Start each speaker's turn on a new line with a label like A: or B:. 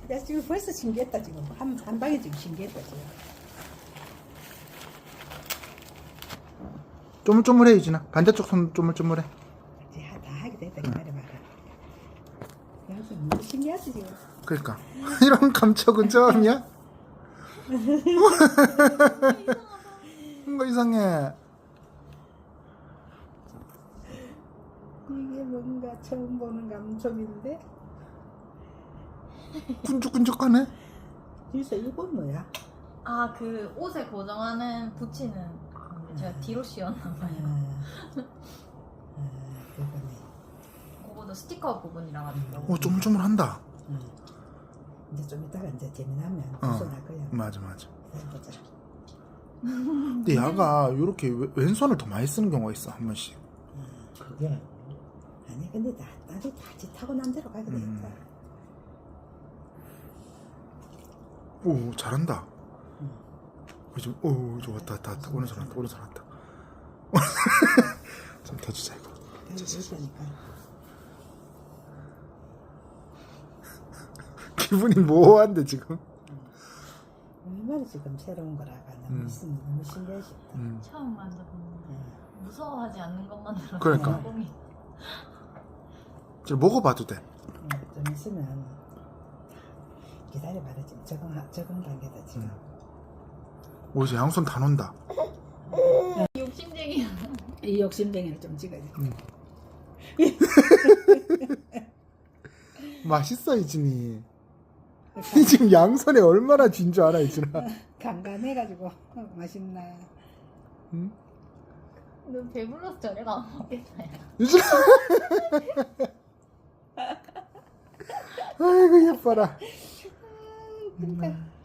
A: 야, 지금 벌써 신기했다, 지금. 한 방에 지금 신기했다, 지금.
B: 쪼물쪼물해 유진아. 반대쪽 손 쪼물쪼물해.
A: 이제 다 하게 됐다, 기다려봐라. 야, 지금 너무 신기하지, 지금.
B: 그러니까 이런 감촉은 처음이야? 뭔가 이상해.
A: 이게 뭔가 처음 보는 감촉인데?
B: 끈적끈적하네.
A: 진짜 이건 뭐야?
C: 아, 그 옷에 고정하는 붙이는 건데 제가 뒤로 씌웠나 봐요.
A: 그거네.
C: 그거도 스티커 부분이라 가지고.
B: 오 쪼물쪼물한다.
A: 이제 좀 이따가 이제 재미나면 벗어날 거야.
B: 맞아 맞아.
A: 보자.
B: 근데 야가 이렇게 왼손을 더 많이 쓰는 경우가 있어 한 번씩.
A: 그게 아니 근데 나도 다지 타고 난 대로 가게 돼 있다.
B: 오 잘한다. 요즘 오 좋았다 왔다 오른손 왔다 오른손 왔다. 좀 더 주자 이거.
A: 있으니까.
B: 기분이 모호한데 지금.
A: 얼마나 지금 새로운 거라가 너무 신기해 싶다.
C: 처음 만져보는 무서워하지 않는 것만으로
B: 그러니까.
C: 성공이.
B: 지금 먹어봐도 돼.
A: 좀 있으면 기다려봐라 지금 적응 단계다 지금.
B: 오 이제 양손 다 논다.
C: 욕심쟁이야.
A: 이 욕심쟁이를 좀 찍어야지.
B: 맛있어 이진이. 이 지금 양손에 얼마나 쥔 줄 알아 이진아.
A: 간간해가지고 맛있나.
B: 응?
C: 너 배불러서 저래가 안 먹겠다. 야.
B: 유진아. 아이고 예뻐라.
A: 그러니까